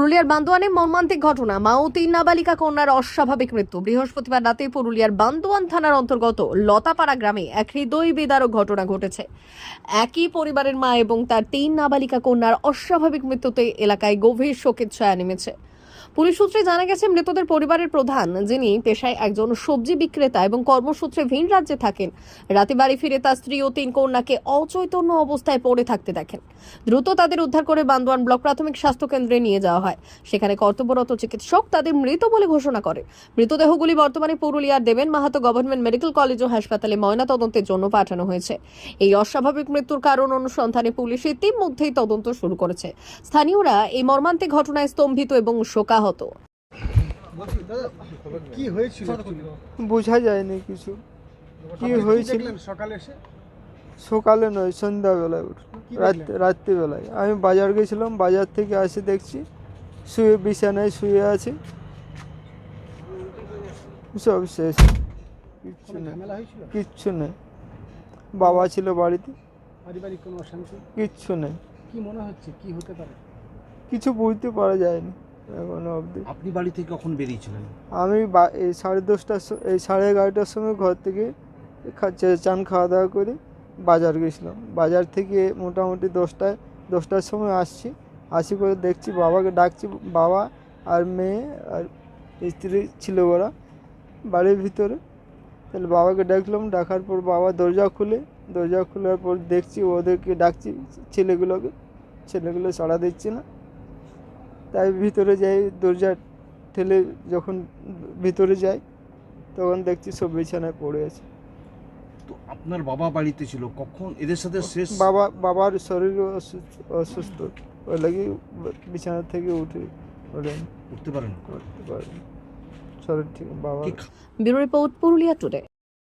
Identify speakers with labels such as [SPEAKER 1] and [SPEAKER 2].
[SPEAKER 1] পুরুলিয়ার বান্দোয়ানে মর্মান্তিক ঘটনা, মা ও 3 নাবালিকা কন্যার অস্বাভাবিক মৃত্যু। বৃহস্পতিবার রাতে পুরুলিয়ার বান্দোয়ান থানার অন্তর্গত লতাপাড়া গ্রামে এক হৃদয় বিদারক ঘটনা ঘটেছে। একই পরিবারের মা এবং তার 3 নাবালিকা কন্যার অস্বাভাবিক মৃত্যুতে এলাকায় গভীর শোকের ছায়া নেমেছে। পুলিশ সূত্রে জানা গেছে, মৃতদের পরিবারের প্রধান, যিনি পেশায় একজন সবজি বিক্রেতা এবং কর্মসূত্রে ভিন রাজ্যে থাকেন, রাতে বাড়ি ফিরে তার স্ত্রী ও 3 কন্যাকে অচৈতন্য অবস্থায় পড়ে থাকতে দেখেন। দ্রুত তাদের উদ্ধার করে বান্দোয়ান ব্লক প্রাথমিক স্বাস্থ্য কেন্দ্রে নিয়ে যাওয়া হয়। সেখানে কর্তব্যরত চিকিৎসক তাদের মৃত বলে ঘোষণা করে। মৃতদেহগুলি বর্তমানে পুরুলিয়ার Deben Mahato government medical college ও হাসপাতালে ময়নাতদন্তের জন্য পাঠানো হয়েছে। এই অস্বাভাবিক মৃত্যুর কারণ অনুসন্ধানে পুলিশ ইতিমধ্যেই তদন্ত শুরু করেছে। স্থানীয়রা এই মর্মান্তিক ঘটনায় স্তম্ভিত এবং শোকাহত।
[SPEAKER 2] কি হয়েছিল?
[SPEAKER 3] বোঝা যায়নি কিছু কি হয়েছিল। সকালে নয়, সন্ধ্যাবেলায় রাত্রিবেলায় আমি বাজার গেছিলাম। বাজার থেকে আসে দেখছি শুয়ে বিছানায় শুয়ে আছে, সব শেষ, কিচ্ছু নেই, কিচ্ছু নেই। বাবা ছিল বাড়িতে,
[SPEAKER 2] পারিবারিক কোনো অশান্তি
[SPEAKER 3] কিচ্ছু নেই।
[SPEAKER 2] কি মনে হচ্ছে কি হতে পারে?
[SPEAKER 3] কিছু বুঝতে পারা যায়নি এখনো অবধি।
[SPEAKER 4] আপনি বাড়ি থেকে কখন বেরিয়েছিলেন?
[SPEAKER 3] আমি এই 10:30টার এই 11:30টার সময় ঘর থেকে চান খাওয়া দাওয়া করে বাজার গেছিলাম। বাজার থেকে মোটামুটি 10টার সময় আসি করে দেখছি বাবাকে ডাকছি। বাবা আর মেয়ে আর স্ত্রী ছিল ওরা বাড়ির ভিতরে। তাহলে বাবাকে ডাকলাম, ডাকার পর বাবা দরজা খোলার পর দেখছি ওদেরকে ডাকছি, ছেলেগুলো সাড়া দিচ্ছে না। তাই ভিতরে যাই, দরজা ঠেলে যখন ভিতরে যাই তখন দেখছি সব বিছানায় পড়ে আছে।
[SPEAKER 4] তো আপনার বাবা বাড়িতে ছিল কখন এদের সাথে শেষ?
[SPEAKER 3] বাবার শরীর অসুস্থ, ওই লাগি বিছানা থেকে উঠতে
[SPEAKER 4] পারেন?
[SPEAKER 3] শরীর ঠিক বাবা।
[SPEAKER 1] Bureau report, Purulia today.